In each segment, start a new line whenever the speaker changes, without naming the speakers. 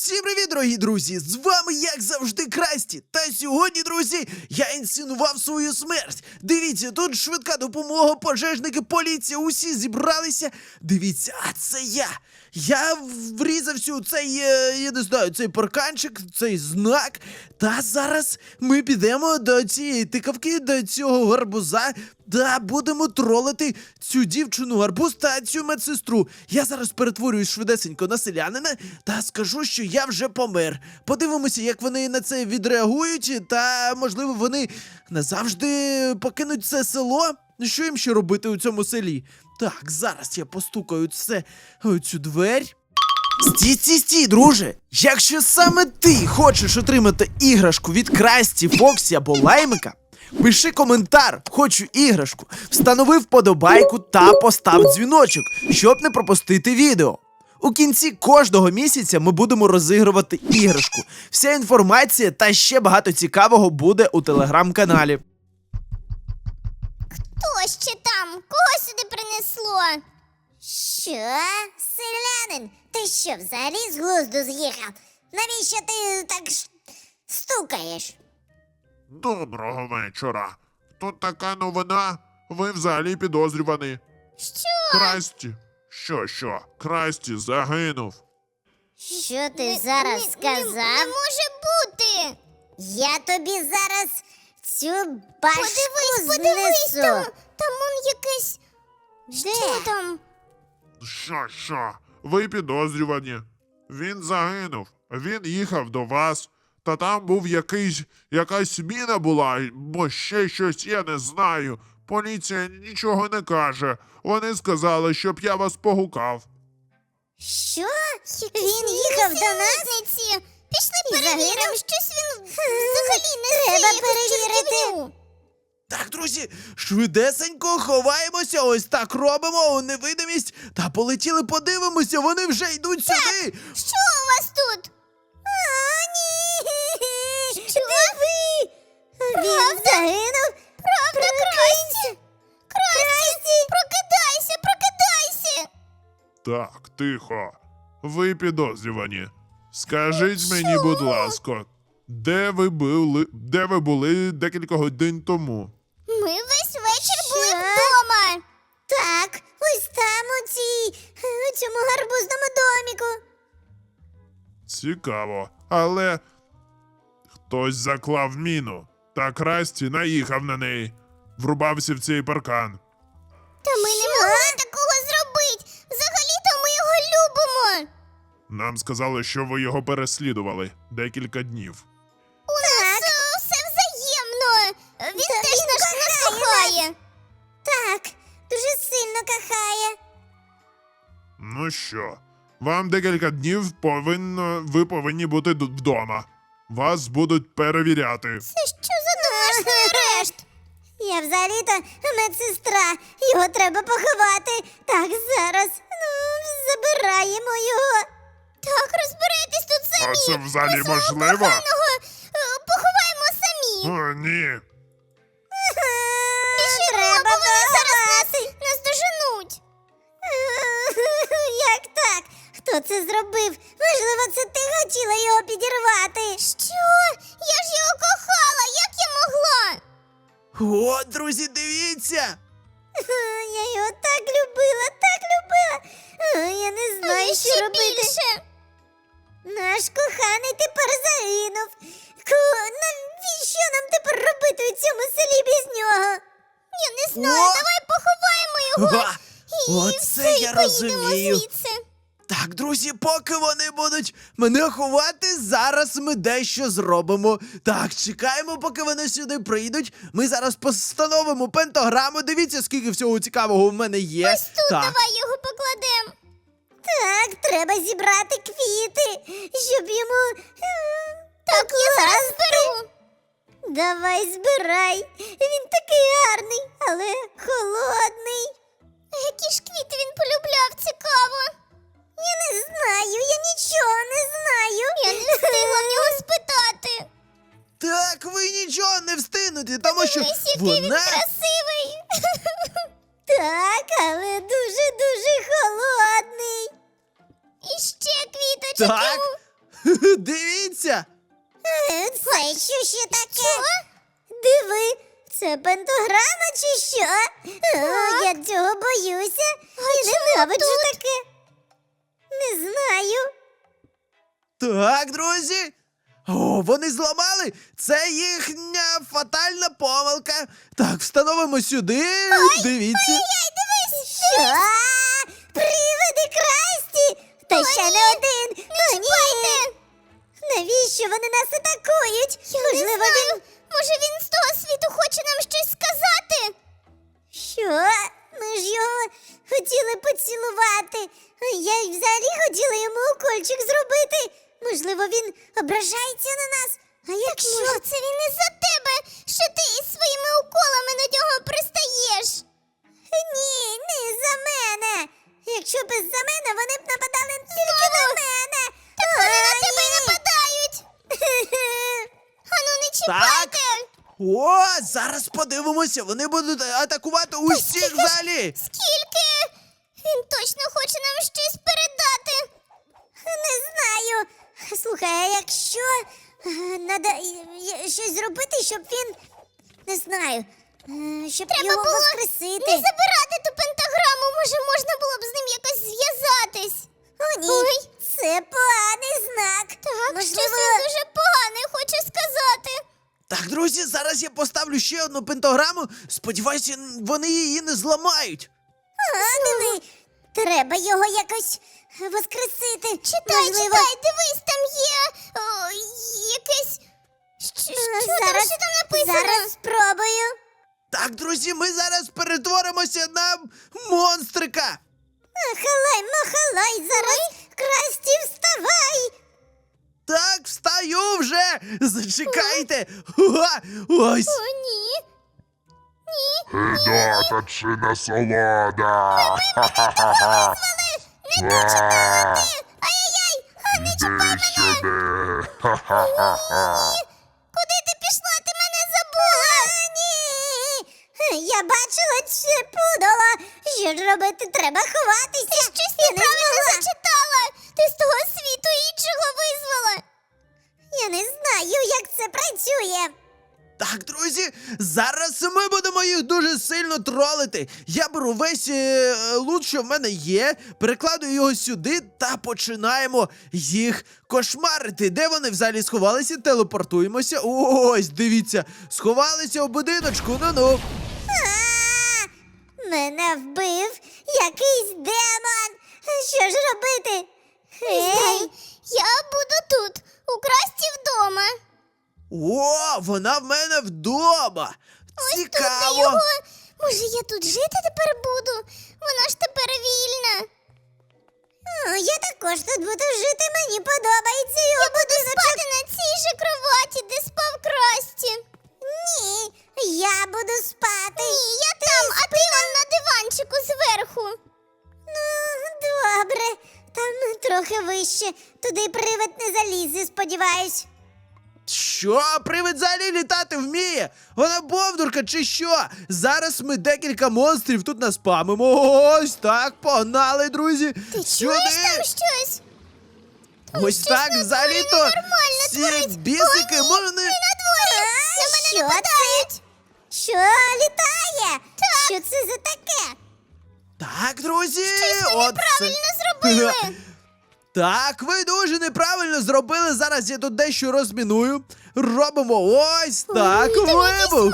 Всім привіт, дорогі друзі! З вами, як завжди, Красті. Та сьогодні, друзі, я інсценував свою смерть. Дивіться, тут швидка допомога, пожежники, поліція, усі зібралися. Дивіться, а це я. Я врізався у цей, я не знаю, цей парканчик, цей знак. Та зараз ми підемо до цієї тикавки, до цього гарбуза. Та будемо тролити цю дівчину гарбуз та цю медсестру. Я зараз перетворююсь швидесенько на селянина та скажу, що я вже помер. Подивимося, як вони на це відреагують, та, можливо, вони назавжди покинуть це село. Що їм ще робити у цьому селі? Так, зараз я постукаю цю двері. Стій, друже! Якщо саме ти хочеш отримати іграшку від Красті, Фоксі або Лаймика, пиши коментар «Хочу іграшку», встанови вподобайку та постав дзвіночок, щоб не пропустити відео. У кінці кожного місяця ми будемо розігрувати іграшку. Вся інформація та ще багато цікавого буде у телеграм-каналі.
Хто ще там? Кого сюди принесло? Що? Селянин? Ти що, взагалі з глузду з'їхав? Навіщо ти так стукаєш?
Доброго вечора. Тут така новина. Ви взагалі підозрювані.
Що?
Красті. Що? Красті загинув.
Що ти зараз сказав? Не може бути! Я тобі зараз цю башку знесу. Там он якесь... Що там?
Що? Ви підозрювані. Він загинув. Він їхав до вас. Та там був якась міна була, бо ще щось, я не знаю. Поліція нічого не каже. Вони сказали, щоб я вас погукав.
Що? Він їхав до нас? Пішли перевіримо, щось він взагалі не треба перевірити.
Так, друзі, швидесенько ховаємося, ось так робимо у невидимість. Та полетіли, подивимося, вони вже йдуть сюди.
Що у вас тут? Ні! Диви! Він загинув? Правда, Красті? Красті! Прокидайся!
Так, тихо. Ви підозрювані. Скажіть мені, будь ласка, де ви були декілька годин тому?
Ми весь вечір були вдома. Так, ось там у цьому гарбузному доміку.
Цікаво, але хтось заклав міну, та Красті наїхав на неї, врубався в цей паркан.
Та ми не могли такого зробити. Взагалі-то ми його любимо.
Нам сказали, що ви його переслідували декілька днів.
У нас все взаємно. Він теж нас кохає. Так, дуже сильно кохає.
Ну що, вам декілька днів ви повинні бути вдома. Вас будуть перевіряти.
Це що за домашній арешт? Я взагалі-то медсестра. Його треба поховати. Так, зараз. Забираємо його. Так, розбирайтесь тут самі.
А це взагалі
Ми свого
можливо?
коханого поховаємо самі.
О, ні.
Біжимо, бо вони зараз нас доженуть. Як так? Хто це зробив? Можливо, це ти хотіла його підірвати. Що? Я ж його кохала, як я могла?
О, друзі, дивіться!
Я його так любила. Я не знаю, що робити. Наш коханий тепер загинув. Навіщо нам тепер робити у цьому селі без нього? Я не знаю,
О!
давай поховаємо його.
Га!
І
Оце
все, і
я
поїдемо
розумію.
звідси.
Так, друзі, поки вони будуть мене ховати, зараз ми дещо зробимо. Так, чекаємо, поки вони сюди прийдуть. Ми зараз постановимо пентаграму. Дивіться, скільки всього цікавого в мене є.
Ось тут
так.
давай його покладемо. Так, треба зібрати квіти, щоб йому... Так, я зараз зберу. Давай, збирай. Він такий гарний, але холодний. Які ж квіти він полюбляв, цікаво. Я не знаю, я нічого не знаю. Я не встигла в нього спитати.
Так, ви нічого не встигнете, тому що
Ось який він
вона...
красивий. Так, але дуже-дуже холодний. І ще квіточок
Так.
йому.
Дивіться!
Це що ще таке? Диви, це пентаграма чи що? О, я цього боюся. Я ненавиджу таке. Не знаю.
Так, друзі. О, вони зламали! Це їхня фатальна помилка. Так, встановимо сюди. Дивіться.
Що? Привиди Красті! Та ще не один! О, ні! Навіщо вони нас атакують? Можливо, він...
Може він з того світу хоче нам щось сказати?
Що? Ми ж його хотіли поцілувати. Я й взагалі хотіла йому укольчик зробити. Можливо, він ображається на нас. А якщо...
Може, це він із-за тебе, що ти із своїми уколами на нього пристаєш?
Ні, не за мене. Якщо б за мене, вони б нападали тільки на мене.
Так вони на тебе й нападають. Ану, не чіпайте!
О, зараз подивимося. Вони будуть атакувати усіх в залі.
Скільки? Він точно хоче нам щось передати.
Не знаю. Слухай, а якщо треба щось зробити, щоб він, не знаю, щоб
Треба
його
було
воскресити.
не забирати ту пентаграму, може можна було б з ним якось зв'язатись.
О, ні,
Ой.
це поганий знак.
Так,
Можливо,
щось він дуже погане хоче сказати.
Так, друзі, зараз я поставлю ще одну пентаграму. Сподіваюся, вони її не зламають.
диви, треба його якось воскресити.
Читай, дивись, там є якесь...
Зараз,
що там написано?
зараз спробую.
Так, друзі, ми зараз перетворимося на монстрика.
Махалай, махалай, зараз Красті, вставай.
Так, встаю вже. Зачекайте. Ось.
О, ні.
Гидота чи насолода.
Не то чіпати! Ай-яй-яй! А не чіпай
Іди сюди.
Куди ти пішла? Ти мене забула!
Ні! Я бачила це пудало. Що ж робити? Треба ховатися.
Ти щось
Я не
неправильно
змогла.
зачитала! Ти з того світу іншого визвала!
Я не знаю, як це працює.
Так, друзі, зараз ми будемо їх дуже сильно тролити. Я беру весь лут, що в мене є, перекладую його сюди та починаємо їх кошмарити. Де вони взагалі сховалися? Телепортуємося. Ось, дивіться, сховалися у будиночку. Ну-ну.
Мене вбив якийсь демон. Що ж робити? Ей,
Я буду тут, у Красті вдома.
О, вона в мене вдома.
Тут
Цікаво.
його... Може, я тут жити тепер буду? Вона ж тепер вільна.
я також тут буду жити, мені подобається його.
Я буду спати на цій же кроваті, де спав Красті.
Ні, я буду спати.
Ні, я там, а ти вон на диванчику зверху.
Ну, добре. Там трохи вище. Туди привид не залізе, сподіваюсь.
Що? Привид взагалі літати вміє? Вона бовдурка чи що? Зараз ми декілька монстрів тут наспамимо. Ось так, погнали, друзі.
Ти чуєш там щось?
Ось
щось
так,
на
взагалі-то
дворі ненормально
ці
творить.
бісики можна...
На дворі! На мене
що
нападають!
Що літає? Що це за таке?
Так, друзі,
Ми неправильно зробили!
Так, ви дуже неправильно зробили. Зараз я тут дещо розміную. Робимо ось так, вибух.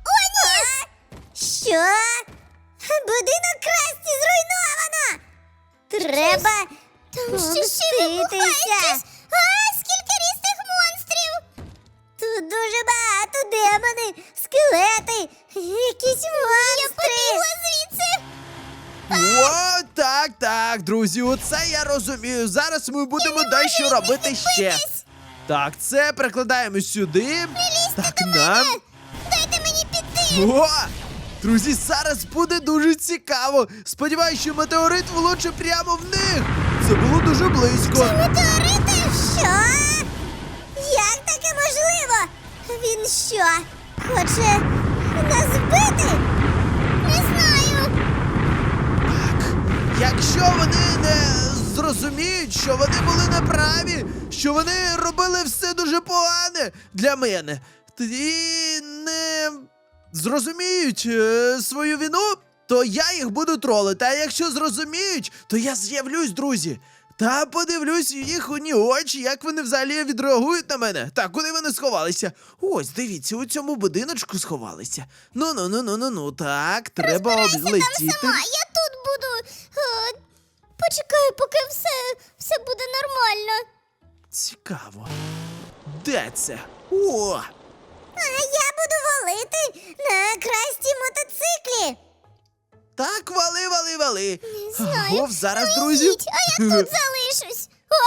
Що? Будинок Красті зруйновано! Треба
Там ще вибухає
помститися.
щось. А, скільки різних монстрів!
Тут дуже багато демони, скелети, якісь
Я
монстри.
побігла звідси!
О, так, друзі, оце я розумію. Зараз ми будемо дещо робити ще. Так, це перекладаємо сюди. Так, нам.
Дайте мені піти!
О! Друзі, зараз буде дуже цікаво. Сподіваюсь, що метеорит влучить прямо в них. Це було дуже близько.
Метеорити? Що? Як таке можливо? Він що? Хоче нас вбити?
Не знаю!
Якщо вони не зрозуміють, що вони були неправі, що вони робили все дуже погане для мене. І не зрозуміють свою вину, то я їх буду тролити. А якщо зрозуміють, то я з'явлюсь, друзі. Та подивлюсь їхні очі, як вони взагалі відреагують на мене. Так, куди вони сховалися? Ось, дивіться, у цьому будиночку сховалися. Ну, так, треба облетіти.
Сама, я тут буду. Почекаю, поки все буде нормально.
Цікаво. Де це? О!
А я буду валити на Красті мотоциклі.
Так, вали.
знаю.
Гов, зараз, друзі.
Ідіть, а я тут залишусь.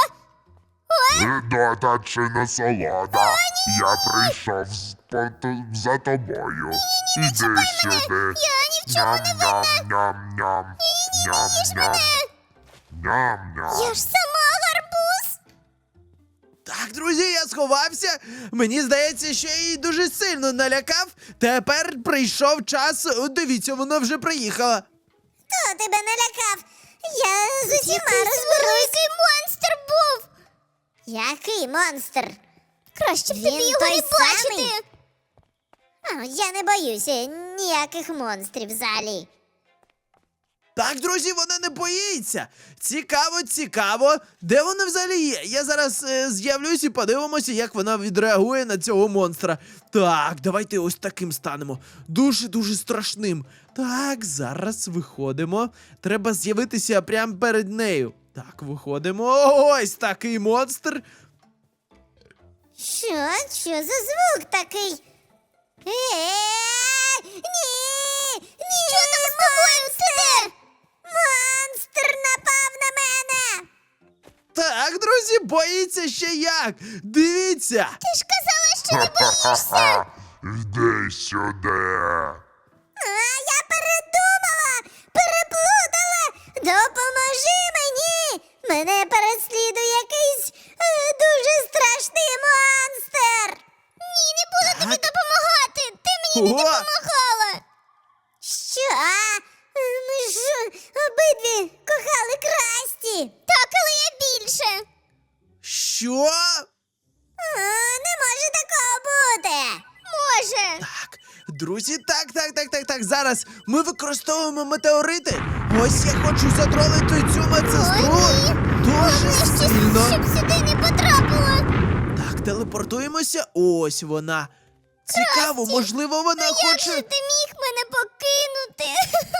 Гидота чи насолода. Я прийшов за тобою. Іди сюди.
Я ні в чому не винна.
Ням-ням. Ням-ням. Ням-ням.
Я ж сама гарбуз.
Так, друзі, я сховався. Мені здається, що я її дуже сильно налякав. Тепер прийшов час. О, дивіться, вона вже приїхала.
Хто тебе налякав? Я з усіма розберусь.
Великий монстр був.
Який монстр?
Краще б
Він
тобі його
той
не
самий?
бачити.
Я не боюся ніяких монстрів взагалі.
Так, друзі, вона не боїться. Цікаво. Де вона взагалі є? Я зараз з'явлюсь і подивимося, як вона відреагує на цього монстра. Так, давайте ось таким станемо. Дуже страшним. Так, зараз виходимо. Треба з'явитися прямо перед нею. Так, виходимо. Ось такий монстр.
Що? Що за звук такий? Ні!
Що там з тобою, Стер?
Монстр напав на мене!
Так, друзі, боїться ще як. Дивіться.
Ти ж казала, що не боїшся.
Ха-ха-ха. Іди сюди.
Я передумала! Переплутала! Допоможи мені! Мене переслідує якийсь дуже страшний монстр!
Ні, не буду тобі допомагати. Ти мені не
О!
допомагала.
Що? Ми ж обидві кохали Красті!
Так, але я більше.
Що?
Не може такого бути!
Може.
Так, друзі, так. Зараз ми використовуємо метеорити. Ось я хочу затролити цю медсестру. Дуже сильно.
Щоб сюди не потрапила.
Так, телепортуємося. Ось вона. Цікаво, можливо, вона
Як же
хоче.
ти міг мене покинути?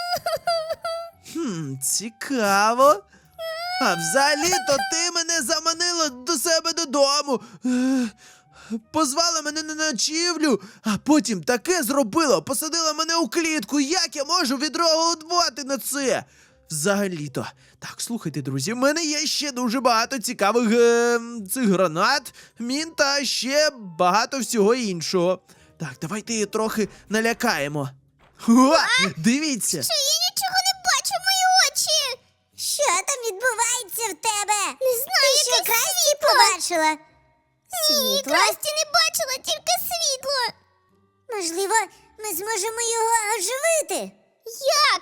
Цікаво. А взагалі-то ти мене заманила до себе додому. Позвала мене на ночівлю, а потім таке зробила, посадила мене у клітку. Як я можу відреагувати на це? Взагалі-то. Так, слухайте, друзі, в мене є ще дуже багато цікавих цих гранат, мін та ще багато всього іншого. Так, давайте її трохи налякаємо. О, дивіться.
Що я нічого не бачу, мої очі.
Що там відбувається в тебе?
Не знаю,
Ти що,
якесь
Красті
світло.
побачила?
Ні,
Світло?
Красті не бачила, тільки світло.
Можливо, ми зможемо його оживити?
Як?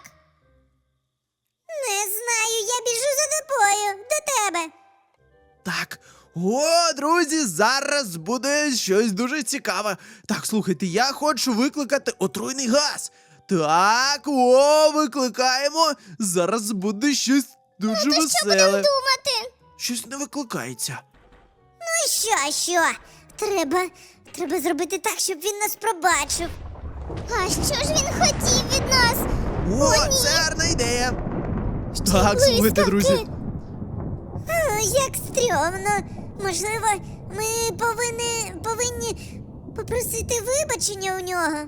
Не знаю, я біжу за тобою, до тебе.
Так, о, друзі, зараз буде щось дуже цікаве. Так, слухайте, я хочу викликати отруйний газ. Так, викликаємо. Зараз буде щось дуже
Що будемо
веселе.
думати?
Щось не викликається.
Ну що? Треба зробити так, щоб він нас пробачив.
А що ж він хотів від нас?
О, це гарна ідея.
Ще
Так, слухайте,
блискавки.
друзі.
Як стрьомно. Можливо, ми повинні попросити вибачення у нього.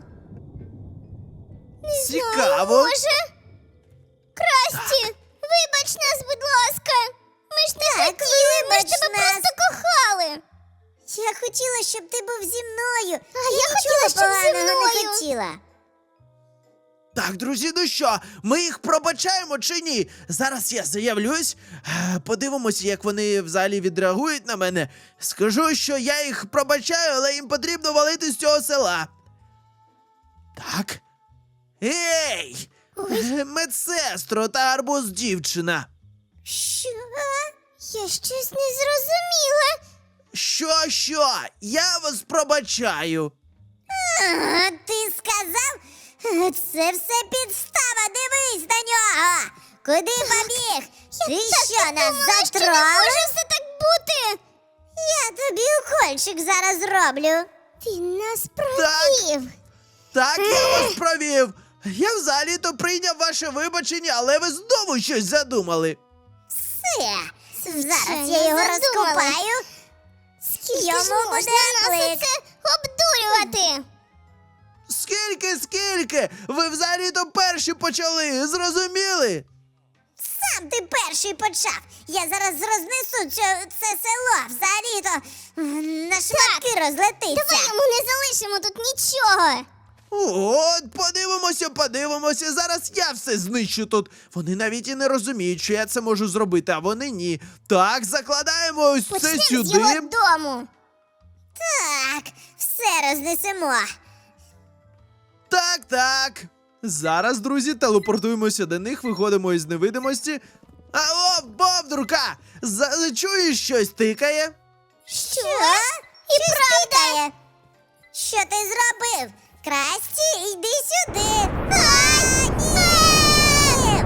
Цікаво.
Може? Красті, вибач нас, будь ласка. Ми ж не
Так,
хотіли, ми ж
вибач
тебе
нас.
просто кохали.
Я хотіла, щоб ти був зі мною.
А я хотіла, щоб зі
поганого
мною.
не хотіла.
Так, друзі, ну що, ми їх пробачаємо чи ні? Зараз я заявлюсь, подивимося, як вони взагалі відреагують на мене. Скажу, що я їх пробачаю, але їм потрібно валити з цього села. Так. Ей! Медсестро та арбуз дівчина.
Що?
Я щось не зрозуміла.
Що? Я вас пробачаю.
Ти сказав? Це все підстава, дивись на нього! Куди побіг? Ти що, нас
Може
затравив?
все так бути?
Я тобі укольчик зараз зроблю.
Він нас провів.
Так, я вас провів. Я взагалі-то прийняв ваше вибачення, але ви знову щось задумали.
Все, зараз
Звичайно,
я його
задумала.
розкопаю. Йому буде
нас
плик.
оце обдурювати?
Скільки? Ви взагалі-то перші почали, зрозуміли?
Сам ти перший почав. Я зараз рознесу це село. Взагалі-то на шматки розлетиться.
Давай йому не залишимо тут нічого.
От, подивимося. Зараз я все знищу тут. Вони навіть і не розуміють, що я це можу зробити, а вони ні. Так, закладаємо ось це
Почнемо з
сюди.
його дому.
Так, все рознесемо.
Так. Зараз, друзі, телепортуємося до них, виходимо із невидимості. Алло, Бовдурка! Чуєш, щось тикає?
Що? І правда. Що ти зробив? Красті, йди сюди. Ні!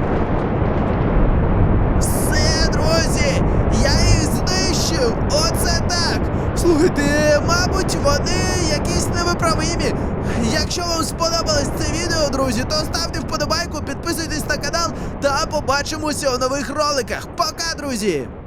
Все, друзі! Я їх знищив! Оце так! Слухайте, мабуть, вони якісь невиправимі. Якщо вам сподобалось це відео, друзі, то ставте вподобайку, підписуйтесь на канал та побачимося у нових роликах. Пока, друзі!